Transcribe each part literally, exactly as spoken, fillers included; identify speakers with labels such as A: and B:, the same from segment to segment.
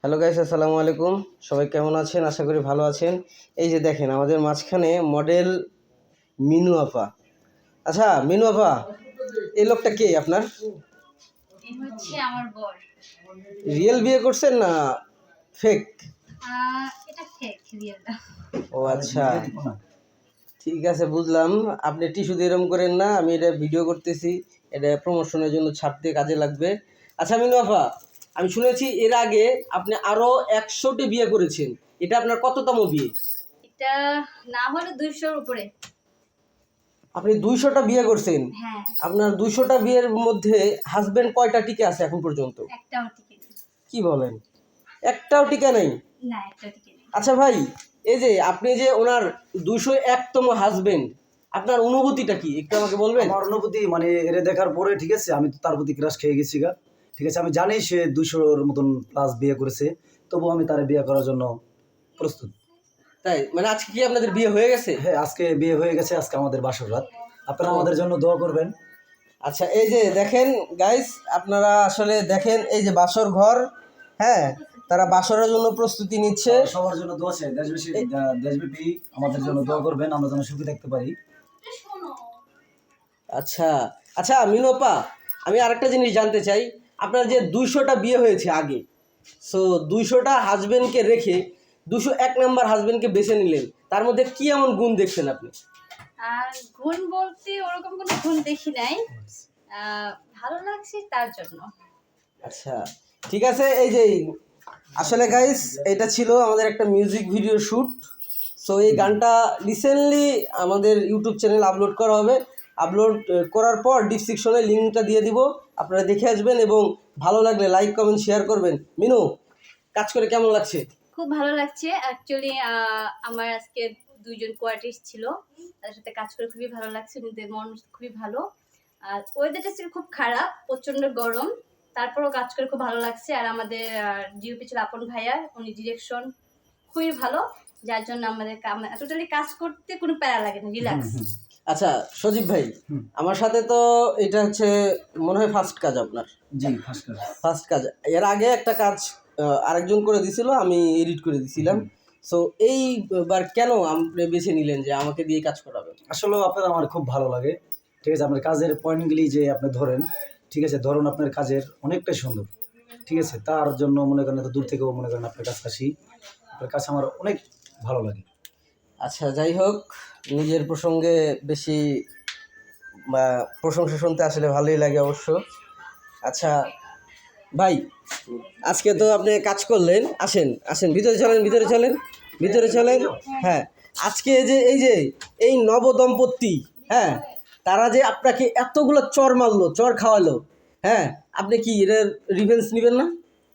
A: Hello guys, আসসালামু আলাইকুম। সবাই কেমন আছেন? আশা করি ভালো আছেন। এই যে দেখেন আমাদের মাঝখানে মডেল মিনু আপা। আচ্ছা মিনু আপা, এই লোকটা কে আপনার?
B: এই হচ্ছে আমার বর।
A: রিয়েল বিয়ে করছেন না ফেক?
B: আহ এটা ফেক, রিয়েল না।
A: ও আচ্ছা, ঠিক আছে বুঝলাম। আপনি টিস্যু দিয়ে এরম করেন না, আমি এটা ভিডিও করতেছি, এটা প্রমোশনের জন্য ছাড়তে কাজে লাগবে। আচ্ছা মিনু আপা, আমি শুনেছি এর আগে আপনি আরো একশোটি বিয়ে করেছেন, এটা আপনার কততম বিয়ে?
B: এটা না হলে দুইশোর উপরে।
A: আপনি দুইশোটা বিয়ে করছেন?
B: হ্যাঁ।
A: আপনার দুইশোটা বিয়ের মধ্যে হাজবেন্ড কয়টা টিকে আছে এখন পর্যন্ত?
B: একটাও টিকে নেই।
A: কি বলেন, একটাও টিকে নেই?
B: না, একটাও টিকে নেই।
A: আচ্ছা ভাই, এই যে আপনি যে ওনার দুইশো একতম হাজবেন্ড, আপনার অনুভূতিটা কি একটু আমাকে বলবেন?
C: আমার অনুভূতি মানে এরে দেখার পরে ঠিক আছে, আমি তো তার প্রতি ক্রাশ খেয়ে গেছি গা। ঠিক আছে, আমি জানি সে দুশোর মতন প্লাস বিয়ে করেছে, তবু আমি তার বিয়ে করার জন্য প্রস্তুত।
A: তাই মানে আজকে কি আপনাদের বিয়ে হয়ে গেছে?
C: হ্যাঁ, আজকে বিয়ে হয়ে গেছে, আজকে আমাদের বাসর রাত। আপনারা আমাদের জন্য দোয়া করবেন।
A: আচ্ছা এই যে দেখেন গাইস, আপনারা আসলে দেখেন এই যে বাসর ঘর, হ্যাঁ, তারা বাসরের জন্য প্রস্তুতি নিচ্ছে।
C: সবার জন্য দোয়া চাই, দেশবাসী দেশব্যাপী আমাদের জন্য দোয়া করবেন, আমরা যেন সুখী থাকতে পারি।
A: আচ্ছা আচ্ছা মিনু আপা, আমি আরেকটা জিনিস জানতে চাই। আপনার যে দুইশোটা বিয়ে হয়েছে আগে, সো দুইশোটা হাজবেন্ডকে রেখে দুশো এক নাম্বার হাজবেন্ডকে বেছে নিলেন, তার মধ্যে কি এমন গুণ দেখছেন আপনি?
B: আর গুণ বলতে ওরকম কোনো গুণ দেখি নাই, আহ, ভালো লাগছে তার জন্য।
A: আচ্ছা ঠিক আছে। এই যে আসলে গাইস, এটা ছিল আমাদের একটা মিউজিক ভিডিও শ্যুট। সো এই গানটা রিসেন্টলি আমাদের ইউটিউব চ্যানেল আপলোড করা হবে। আপলোড করার পর ডিসক্রিপশনে লিঙ্কটা দিয়ে দিব, আপনারা দেখে আসবেন এবং ভালো লাগলে লাইক কমেন্ট শেয়ার করবেন। মিনু, কাজ করে কেমন লাগছে?
B: খুব ভালো লাগছে অ্যাকচুয়ালি। আমার আজকে দুইজন কোয়ার্টিস্ট ছিল, তাদের সাথে কাজ করে খুবই ভালো লাগছে, ওদের মন খুবই ভালো। আর ওয়েদারটা ছিল খুব খারাপ, প্রচণ্ড গরম, তারপরও কাজ করে খুব ভালো লাগছে। আর আমাদের ডিওপি ছিল আপন ভাইয়া, উনি ডিরেকশন খুবই ভালো, যার জন্য আমাদের টোটালি কাজ করতে কোনো প্যারা লাগে না, রিল্যাক্স।
A: আচ্ছা সজীব ভাই, আমার সাথে তো এটা হচ্ছে মনে হয় ফার্স্ট কাজ আপনার?
C: জি, ফার্স্ট ক্লাস।
A: ফার্স্ট কাজ। এর আগে একটা কাজ আহ, আরেকজন করে দিছিল, আমি এডিট করে দিছিলাম। সো এইবার কেন আপনি বেছে নিলেন যে আমাকে দিয়ে কাজ করাবেন?
C: আসলে আপনার আমার খুব ভালো লাগে। ঠিক আছে, আপনার কাজের পয়েন্টগুলি যে আপনি ধরেন, ঠিক আছে, ধরুন আপনার কাজের অনেকটাই সুন্দর। ঠিক আছে, তার জন্য মনে করেন এত দূর থেকেও মনে করেন আপনার কাছে আসি, আপনার কাছে আমার অনেক ভালো লাগে।
A: আচ্ছা যাই হোক, নিজের প্রসঙ্গে বেশি বা প্রশংসা শুনতে আসলে ভালোই লাগে অবশ্য। আচ্ছা ভাই, আজকে তো আপনি কাজ করলেন, আসেন আসেন ভিতরে চলেন, ভিতরে চলেন, ভিতরে চলেন। হ্যাঁ, আজকে যে এই যে এই নবদম্পতি, হ্যাঁ, তারা যে আপনাকে এতগুলো চর মারলো, চর খাওয়ালো, হ্যাঁ, আপনি কি এর রিভেঞ্জ নেবেন না?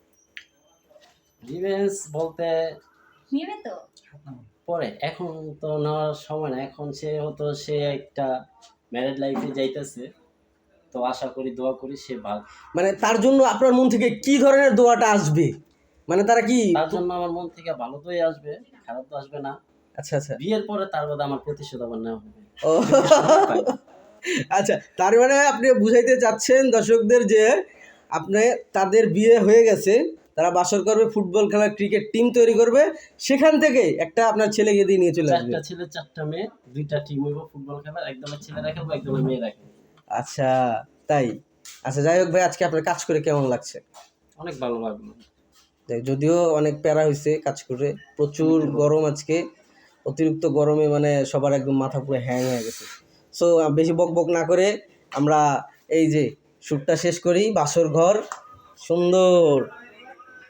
D: রিভেঞ্জ বলতে
B: নিবে তো
D: পরে, এখন তো নেওয়ার সময় না। এখন সে হতো সে একটা ম্যারেড লাইফে যাইতেছে, তো আশা করি দোয়া করি সে ভালো।
A: মানে তার জন্য আপনার মন থেকে কি ধরনের দোয়াটা আসবে? মানে তারা কি
D: তার জন্য আমার মন থেকে ভালো দোয়াই আসবে, খারাপ তো আসবে না।
A: আচ্ছা আচ্ছা
D: বিয়ের পরে তার বাদে আমার প্রতিশোধ আবার নেওয়া হবে।
A: ও আচ্ছা, তার মানে আপনি বুঝাইতে চাচ্ছেন দর্শকদের যে আপনি তাদের বিয়ে হয়ে গেছে, তারা বাসর করবে, ফুটবল খেলা, ক্রিকেট টিম তৈরি করবে, সেখান থেকে একটা আপনার ছেলেকে দিয়ে নিয়ে চলে আসবে।
D: চারটা ছেলে চারটা মেয়ে, দুইটা টিম হইব ফুটবল খেলার, একদমের ছেলেরা খেলবো, একদমের মেয়েরা খেলবো।
A: আচ্ছা তাই। আচ্ছা যাই হোক ভাই, আজকে আপনার কাজ করে কেমন লাগছে?
D: অনেক ভালো লাগলো।
A: যাই, যদিও অনেক প্যারা হয়েছে কাজ করে, প্রচুর গরম আজকে, অতিরিক্ত গরমে মানে সবার একদম মাথা পুরো হ্যাং হয়ে গেছে। সো বেশি বক বক না করে আমরা এই যে শ্যুটটা শেষ করি। বাসর ঘর সুন্দর